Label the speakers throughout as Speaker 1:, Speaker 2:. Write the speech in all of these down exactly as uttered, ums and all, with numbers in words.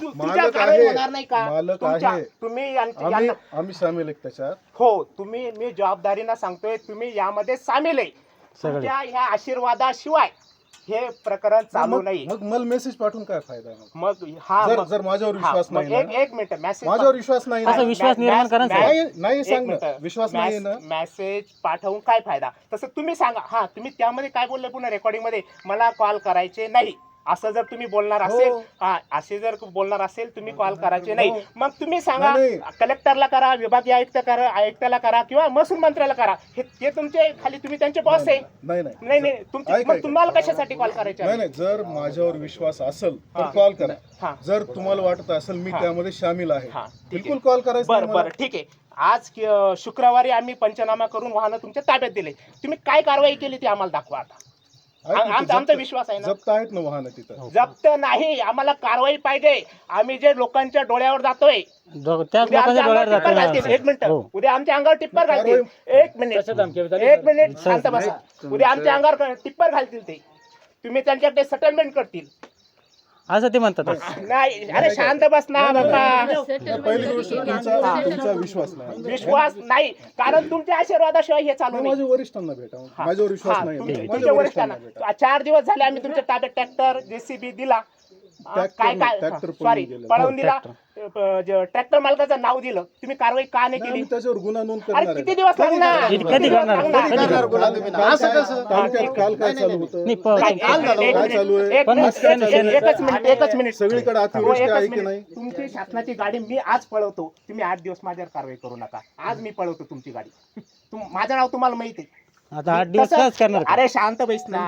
Speaker 1: तुमच्या कारवाई होणार नाही का?
Speaker 2: मालक
Speaker 1: तुमच्या
Speaker 2: आहे.
Speaker 1: तुम्ही यांच्या-
Speaker 2: आम्ही
Speaker 1: यांना-
Speaker 2: आम्ही सामील आहे त्याच्यात.
Speaker 1: हो तुम्ही मी जबाबदारीनं सांगतोय तुम्ही यामध्ये सामील आहे. तुमच्या ह्या आशीर्वादाशिवाय हे प्रकरण चालू
Speaker 2: मग
Speaker 1: नाही.
Speaker 2: मग मला मेसेज पाठवून काय फायदा आहे?
Speaker 1: मग हा
Speaker 2: जर
Speaker 1: मग-
Speaker 2: जर माझ्यावर
Speaker 1: हा,
Speaker 2: विश्वास
Speaker 1: मग
Speaker 2: नाही
Speaker 1: एक
Speaker 2: ना,
Speaker 1: एक मिनिट मेसेज
Speaker 2: माझ्यावर विश्वास नाही ना,
Speaker 3: असं विश्वास निर्माण करा ना, साहेब.
Speaker 2: नाही नाही सांग ना, विश्वास नाही ना.
Speaker 1: मेसेज पाठवून काय फायदा? तसं तुम्ही सांगा. हा तुम्ही त्यामध्ये काय बोलले पुन्हा रेकॉर्डिंग मध्ये मला कॉल करायचे नाही असं जर तुम्ही बोलणार असेल,
Speaker 2: हो.
Speaker 1: हा असे जर बोलणार असेल तुम्ही कॉल करायचे नाही.
Speaker 2: हो.
Speaker 1: मग तुम्ही सांगा
Speaker 2: नाही, नाही.
Speaker 1: कलेक्टरला करा, विभागीय आयुक्त करा, आयुक्ताला करा किंवा महसूल मंत्र्याला करा. हे ते तुमचे खाली तुम्ही त्यांचे बॉस आहे.
Speaker 2: नाही नाही
Speaker 1: नाही नाही तुमचे
Speaker 2: ऐका,
Speaker 1: मग
Speaker 2: ऐका.
Speaker 1: तुम्हाला कशासाठी कॉल करायचे
Speaker 2: नाही नाही जर माझ्यावर विश्वास असेल तर
Speaker 1: हा.
Speaker 2: कॉल करा.
Speaker 1: हा.
Speaker 2: जर तुम्हाला वाटत असेल मी
Speaker 1: हा.
Speaker 2: त्यामध्ये सामील आहे,
Speaker 1: हा, ठीक आहे.
Speaker 2: बिलकुल कॉल करायचा
Speaker 1: बरं
Speaker 2: नाही मला.
Speaker 1: बरं ठीक आहे. आज अं, शुक्रवारी आम्ही पंचनामा करून वाहनं तुमच्या ताब्यात दिले. तुम्ही काय कारवाई केली ती आम्हाला दाखवा आता.
Speaker 2: ऐक ना, ते
Speaker 1: आमचा आमचा
Speaker 2: जप्त-
Speaker 1: विश्वास आहे ना.
Speaker 2: जप्त आहेत ना वाहनं तिथं.
Speaker 1: जप्त नाही आम्हाला कारवाई पाहिजे. आम्ही जे लोकांच्या डोळ्यावर जातोय
Speaker 3: दो- त्याच
Speaker 1: उद्या
Speaker 3: लोकांच्या
Speaker 1: आमच्या
Speaker 3: डोळ्यात
Speaker 1: अंगावर टिप्पर
Speaker 3: जाते
Speaker 1: घालतील. एक मिनिट
Speaker 3: हो.
Speaker 1: उद्या आमच्या अंगावर टिप्पर घालतील. एक मिनिट एक मिनिट शांत बसा. उद्या आमच्या अंगावर टिप्पर घालतील ते. तुम्ही त्यांच्याकडे सेटलमेंट करतील.
Speaker 3: असं ते म्हणतात.
Speaker 1: नाही अरे शांत बस ना बाबा.
Speaker 2: पहिली गोष्ट तुमचा तुमचा विश्वास नाही.
Speaker 1: विश्वास नाही कारण तुमच्या आशीर्वादाशिवाय हे चालू
Speaker 2: मी
Speaker 1: नाही.
Speaker 2: माझ्या वरिष्ठांना भेटा,
Speaker 1: हा.
Speaker 2: माझ्यावर विश्वास
Speaker 1: हा,
Speaker 2: नाही.
Speaker 1: तुमच्या-
Speaker 2: माझ्या
Speaker 1: तुमच्या
Speaker 2: वरिष्ठांना
Speaker 1: वरिष्ठांना
Speaker 2: भेटा.
Speaker 1: चार दिवस झाले आम्ही तुमच्या ताब्यात ट्रॅक्टर जेसीबी दिला.
Speaker 2: ट्रॅक्टर
Speaker 1: काय
Speaker 2: नाही,
Speaker 1: काय
Speaker 2: ट्रॅक्टर पळून
Speaker 1: सॉरी
Speaker 2: गेलेलं.
Speaker 1: पळवून
Speaker 3: हो,
Speaker 1: दिला. ट्रॅक्टर मालकाचं नाव दिलं. तुम्ही कारवाई का नाही
Speaker 2: नाही,
Speaker 1: केली?
Speaker 2: आम्ही त्याच्यावर गुन्हा नोंद
Speaker 1: अरे
Speaker 2: करणार
Speaker 1: किती
Speaker 2: आहे.
Speaker 1: दिवस लागणार?
Speaker 3: कधी
Speaker 1: किती दिवस
Speaker 3: करणार?
Speaker 1: लागणार?
Speaker 3: कधी करणार
Speaker 4: गुन्हा तुम्ही?
Speaker 2: काल-
Speaker 4: असं कसं?
Speaker 2: तालुक्यात काल काय चालू होतं?
Speaker 3: नाही, प-
Speaker 1: काय- एक
Speaker 2: काय
Speaker 1: मिनिट, एक मिनिट,
Speaker 2: चालू आहे?
Speaker 1: एक
Speaker 3: पण
Speaker 1: मिनिट,
Speaker 3: सेन-
Speaker 1: एक-
Speaker 3: सेन-
Speaker 1: एकच मिनिट एकच मिनिट
Speaker 2: सगळीकडे
Speaker 1: हो,
Speaker 2: अतिवृष्टी
Speaker 1: एकच
Speaker 2: आहे की
Speaker 1: मिनिट.
Speaker 2: नाही?
Speaker 1: तुमची शासनाची गाडी मी आज पळवतो. तुम्ही आठ दिवस माझ्यावर कारवाई करू नका. आज मी पळवतो तुमची गाडी. तुम- माझं नाव तुम्हाला माहिती आहे.
Speaker 3: आता आठ दिवस
Speaker 1: तसं-
Speaker 3: काच करणार का?
Speaker 1: अरे शांत बैस ना.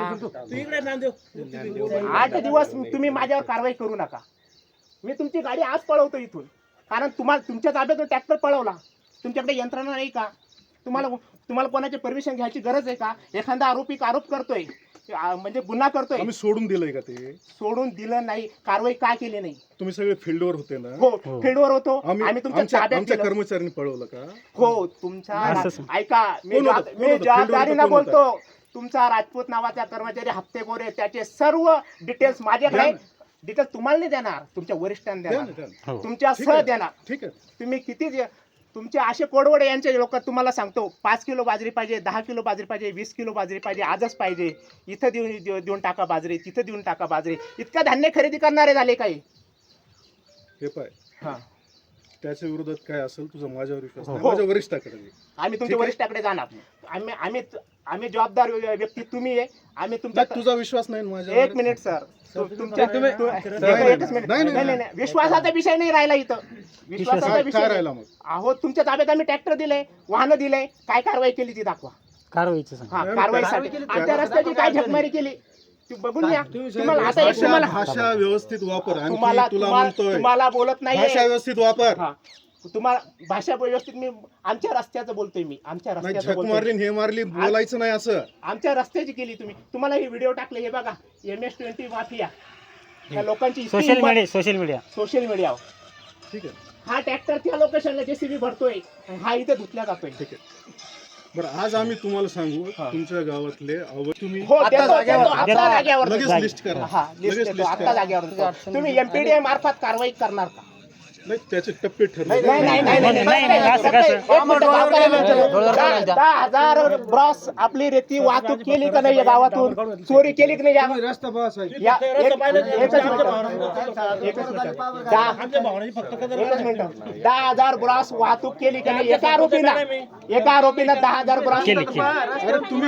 Speaker 1: आठ दिवस तुम्ही माझ्यावर कारवाई करू नका. मी तुमची गाडी आज पळवतो इथून. कारण तुम्हाला तुमच्या ताब्यातून ट्रॅक्टर पळवला. तुमच्याकडे यंत्रणा नाही का? तुम्हाला तुम्हाला कोणाची परमिशन घ्यायची गरज आहे का? एखादा आरोपी आरोप करतोय आ, म्हणजे गुन्हा करतोय,
Speaker 2: आम्ही सोडून दिलंय का ते?
Speaker 1: सोडून दिलं नाही. कारवाई का केली नाही?
Speaker 2: तुम्ही सगळे फील्डवर होते ना?
Speaker 1: हो फील्डवर होतो.
Speaker 2: आम्ही
Speaker 1: आम्ही तुमच्या
Speaker 2: आमच्या
Speaker 1: ताब्यात
Speaker 2: आमच्या
Speaker 1: दिलं.
Speaker 2: कर्मचाऱ्यांनी पळवलं का?
Speaker 1: हो तुमच्या
Speaker 3: असं-
Speaker 1: ऐका मी
Speaker 2: कोण होतं?
Speaker 1: जबाब-
Speaker 2: कोण
Speaker 1: मी
Speaker 2: होतं?
Speaker 1: जबाबदारीनं
Speaker 2: फील्डवर कोण
Speaker 1: बोलतो. तुमचा राजपूत नावाचा कर्मचारी हप्तेखोर आहे. त्याचे सर्व डिटेल्स माझ्याकडे
Speaker 2: द्या
Speaker 1: आहे.
Speaker 2: ना.
Speaker 1: डिटेल्स तुम्हाला नाही देणार, तुमच्या वरिष्ठांना
Speaker 2: द्या ना,
Speaker 1: देणार,
Speaker 2: द्या ना.
Speaker 3: हो.
Speaker 1: तुमच्या
Speaker 2: ठीक
Speaker 1: सह
Speaker 2: आहे.
Speaker 1: देणार.
Speaker 2: ठीक आहे.
Speaker 1: तुम्ही किती जे- तुमचे असे कोडवडे यांचे लोक तुम्हाला सांगतो पाच किलो बाजरी पाहिजे, दहा किलो बाजरी पाहिजे, वीस किलो बाजरी पाहिजे, आजच पाहिजे, इथं देऊन देऊ- देऊन टाका बाजरी, तिथं देऊन टाका बाजरी. इतका धान्य खरेदी करणारे झाले काही.
Speaker 2: हे पाय
Speaker 1: हा
Speaker 2: त्याच्या विरोधात काय असेल तुझा माझ्यावर विश्वास नाही.
Speaker 1: हो.
Speaker 2: माझ्या वरिष्ठाकडे दे.
Speaker 1: आम्ही तुमच्या
Speaker 2: ठीक आहे.
Speaker 1: वरिष्ठाकडे जाणार. आम्ही आम्ही आम्ही जबाबदार व्यक्ती तुम्ही आहे. आम्ही
Speaker 2: नाही,
Speaker 1: तुमच्या
Speaker 2: तुझा विश्वास नाही ना माझ्यावर?
Speaker 1: एक मिनिट सर तु- तुमच्या
Speaker 2: तुम्ही-
Speaker 1: तु-
Speaker 2: नाही,
Speaker 1: एकच
Speaker 2: नाही,
Speaker 1: मिनिट.
Speaker 2: नाही,
Speaker 1: नाही
Speaker 2: नाही,
Speaker 1: नाही नाही विश्वासाचा विषय नाही राहिला इथं. विश्वासाचा
Speaker 2: काय
Speaker 1: विषय
Speaker 2: काय
Speaker 1: नाही.
Speaker 2: राहिला मग?
Speaker 1: अहो तुमच्या ताब्यात आम्ही ट्रॅक्टर दिले, वाहनं दिले, काय कारवाई केली ती दाखवा.
Speaker 3: कारवाईचं सांग.
Speaker 1: हा
Speaker 2: नाही,
Speaker 1: कारवाईसाठी
Speaker 2: कारवाई
Speaker 1: आमच्या रस्त्याची काय झकमारी केली ती बघून घ्या. तुम्हाला आता एक
Speaker 2: भाषा
Speaker 1: तुम्हाला
Speaker 2: भाषा व्यवस्थित वापर.
Speaker 1: तुम्हाला
Speaker 2: आणखी तुला
Speaker 1: तुम्हाला
Speaker 2: म्हणतोय
Speaker 1: तुम्हाला बोलत नाही
Speaker 2: भाषा व्यवस्थित वापर.
Speaker 1: हा तुम्हाला भाषा व्यवस्थित मी आमच्या रस्त्याचं बोलतोय. मी आमच्या
Speaker 2: नाही
Speaker 1: रस्त्याचं
Speaker 2: झक
Speaker 1: बोलतोय.
Speaker 2: मारली आणि हे मारली बोलायचं नाही असं.
Speaker 1: आमच्या रस्त्याची केली तुम्ही. तुम्हाला हे व्हिडिओ टाकले हे बघा एम एस ट्वेंटी माफिया या लोकांची
Speaker 3: social media social media
Speaker 1: social मीडियावर
Speaker 2: ठीक आहे.
Speaker 1: हा ट्रॅक्टर त्या लोकेशनला जेसीबी भरतोय आणि हा इथे धुतल्या जातोय.
Speaker 2: ठीक आहे. बरं आज आम्ही तुम्हाला सांगू
Speaker 1: हा.
Speaker 2: तुमच्या गावातले अव- तुम्ही
Speaker 1: हो देतो,
Speaker 4: जागेवर-
Speaker 1: देतो, आता जागेवर
Speaker 2: लगेच
Speaker 1: देतो.
Speaker 2: लिस्ट करा.
Speaker 1: हा लिस्ट
Speaker 2: लगेच
Speaker 1: देतो,
Speaker 2: लिस्ट
Speaker 1: आता
Speaker 2: करा.
Speaker 1: जागेवर देतो. तुम्ही एमपीडीए मार्फत कारवाई करणार का?
Speaker 2: नाही त्याचे टप्पे ठरले.
Speaker 1: नाही नाही नाही नाही,
Speaker 3: नाही, नाही, नाही, असं
Speaker 1: फक्त
Speaker 3: कसं?
Speaker 1: एक मिनिटं गावकऱ्यांना विचारू. दहा- दहा हजार ब्रॉस आपली रेती वाहतूक केली का नाही या गावातून? चोरी केली की नाही या
Speaker 4: रस्ता बस आहे.
Speaker 1: या- एक- एकच मिनिट. एकच मिनिट. दहा एकच मिनिट. दहा हजार ब्रॉस वाहतूक केली का नाही एका आरोपीनं? एका आरोपीनं दहा हजार ब्रॉस
Speaker 3: केली केली.
Speaker 2: अरे तुम्ही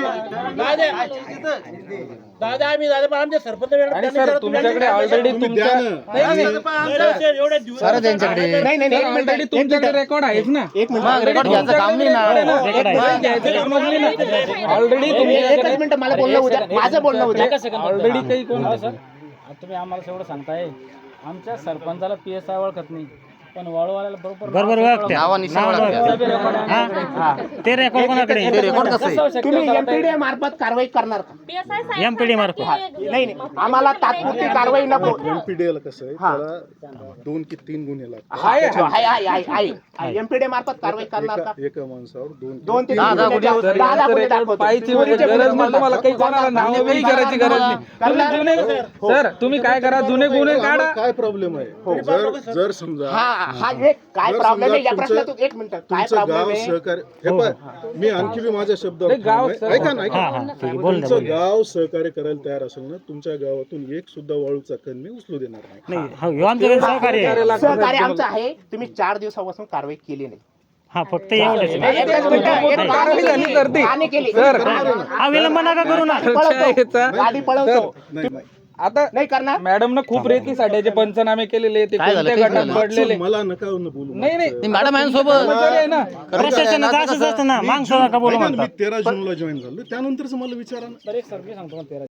Speaker 5: दादा आम्ही दादा पण आमच्या सरपंच
Speaker 4: आणि सर तुमच्याकडे ऑलरेडी
Speaker 2: तुम्ही द्या
Speaker 4: तुमच्या
Speaker 2: ना.
Speaker 5: एवढ्या दिवस
Speaker 4: सर त्यांच्याकडे
Speaker 1: नाही नाही नाही, एक मिनिट,
Speaker 4: ऑलरेडी
Speaker 1: एक
Speaker 4: तुमच्याकडे
Speaker 1: मिनिट.
Speaker 4: रेकॉर्ड आहेच ना.
Speaker 1: एक मिनिट.
Speaker 4: मग रेकॉर्ड घ्यायचं काम नाही ना.
Speaker 3: रेकॉर्ड आहे.
Speaker 4: घ्यायचं काम नाही ना. ऑलरेडी
Speaker 1: एकच
Speaker 4: तुमच्याकडे
Speaker 1: मिनिट मला बोलणं उद्या माझं बोलणं उद्या
Speaker 4: ऑलरेडी काही कोण
Speaker 6: सर तुम्ही आम्हाला एवढं सांगताय आमच्या सरपंचाला पी एस आय ओळखत नाही
Speaker 3: बरोबर ओळखत्या.
Speaker 6: नावानिशी
Speaker 3: नाव
Speaker 6: ओळखत्या.
Speaker 3: ओळखत्या.
Speaker 1: हा.
Speaker 3: हा. ते रेकॉर्ड कोणाकडे
Speaker 6: ते रेकॉर्ड कसं आहे?
Speaker 1: तुम्ही एमपीडीए मार्फत कारवाई करणार का?
Speaker 3: एमपीडी मार्फत
Speaker 1: नाही नाही आम्हाला तात्पुरती कारवाई नको.
Speaker 2: एमपीडीएल कसं आहे
Speaker 1: हा.
Speaker 2: त्याला दोन की तीन गुन्हे लागतात
Speaker 1: आहे आहे आहे आहे एमपीडीए मार्फत कारवाई करणार का?
Speaker 2: एका एका माणसावर दोन
Speaker 1: दोन ते
Speaker 6: दहा-
Speaker 1: तीन
Speaker 6: दहा
Speaker 1: गुन्हे
Speaker 6: गुन्हे
Speaker 1: दाखव- दहा- दहा गुन्हे दाखवतो.
Speaker 4: पाहिजे म्हणजे
Speaker 1: चोरीचे
Speaker 4: गरज
Speaker 1: गुन्हे
Speaker 4: नाही तुम्हाला काही कोणाला
Speaker 1: करणार.
Speaker 4: नाव काही करायची गरज नाही. तुम्ही जुने सर तुम्ही काय करा जुने गुन्हे काढा.
Speaker 2: आम्हाला काय प्रॉब्लेम आहे जर जर समजा
Speaker 1: हा हा एक काय
Speaker 2: जर
Speaker 1: प्रॉब्लेम आहे
Speaker 2: समजा
Speaker 1: या प्रश्नात
Speaker 2: तुमचं-
Speaker 1: एक मिनिट काय
Speaker 2: तुमचं
Speaker 1: प्रॉब्लेम
Speaker 2: गाव
Speaker 1: आहे?
Speaker 2: सहकार्य हे पाय, मी आणखी बी माझ्या शब्दावर
Speaker 4: नाही, गाव
Speaker 2: ठाम आहे.
Speaker 4: सर-
Speaker 2: ऐका ना ऐका
Speaker 3: हा
Speaker 2: ना.
Speaker 3: हा ठीक आहे बोल ना
Speaker 2: तुमचं
Speaker 3: बोल ना.
Speaker 2: गाव सहकार्य करायला तयार असेल ना तुमच्या गावातून एक सुद्धा वाळूचा कण मी उचलू देणार नाही
Speaker 3: नाही हो ह्यो आमच्याकडे सहकार्य आहे.
Speaker 1: सहकार्य आमचं आहे तुम्ही चार दिवसापासून कारवाई केली नाही.
Speaker 3: हा फक्त एवढंच
Speaker 1: एक-
Speaker 3: आहे.
Speaker 1: एकच मिनिटं, एक
Speaker 4: कारवाई झाली तर ती.
Speaker 1: आणि केली.
Speaker 4: सर.
Speaker 3: हा विलंब नका करू ना.
Speaker 1: गाडी पळवतो. गाडी पळवतो
Speaker 2: नाही नाही.
Speaker 4: आता
Speaker 1: नाही करणार.
Speaker 4: मॅडम खूप रेती साठ्याचे पंचनामे केलेले ते
Speaker 6: काय झालं?
Speaker 4: कोणत्या
Speaker 6: काय
Speaker 4: गटात
Speaker 6: झालं?
Speaker 4: पडलेले
Speaker 2: मला नका न बोलू
Speaker 4: नाही नाही
Speaker 6: ती मॅडम यांसोबत
Speaker 4: कर्मचारी आहे ना.
Speaker 3: प्रशासनाचं असंच असतं ना मागचं नका बोलू
Speaker 2: ऐका ना, मी
Speaker 3: म्हणतात.
Speaker 2: तेरा जूनला जॉईन झालो त्यानंतरच मला विचारा ना.